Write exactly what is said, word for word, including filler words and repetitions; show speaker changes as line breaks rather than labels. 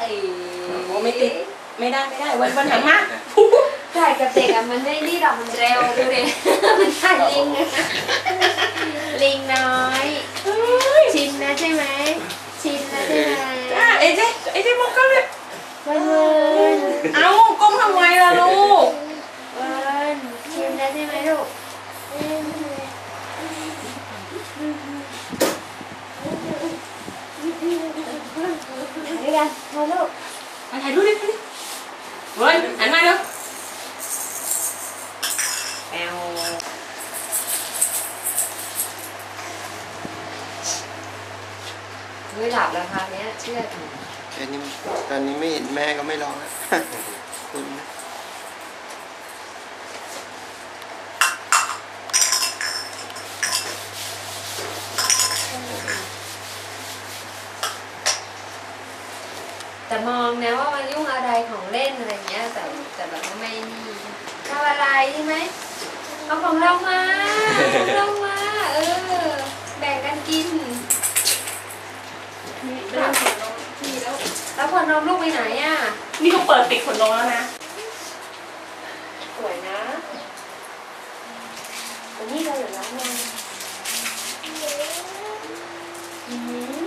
โอ้ไม่ติดไม่ได้ไม่ได้วันวันหลังมา
ถ่ายกับเด็กอะมันไม่รีดอกมันเร็วดูดิมันถ่ายลิงลิงน้อยชินนะใช่ไหมชินนะใช่ไหม
เอ้เจ๊เอ้เจ๊มองกล้องเลย
เวิร์น
เอาก้มทำไมล่ะลูก
เวิร์นชินนะใช่ไหมลูกด้วยกันมาลูก
มาถ่ายรูปดิเวิร์นหันมาดูแอล
ไม่หลับแล้วค่ะเนี้ยเชื่อถือ
แค่นี้ตอนนี้ไม่เห็นแม่ก็ไม่ร้องแล้วคุณ
แต่มองนะว่ามันยุ่งอะไรของเล่นอะไรเงี้ยแต่แต่แบบไม่นี่ทำอะไรใช่ไหมเอาของเรามาของเรามาเออแบ่งกันกิน
เรื่องขนนมพี่แล้ว
แล้วขวดนมลูกไปไหนอ่ะ
นี่เขาเปิดปิดขนนมแล้วนะ
สวยนะวันนี้เราอยู่ร้านงาน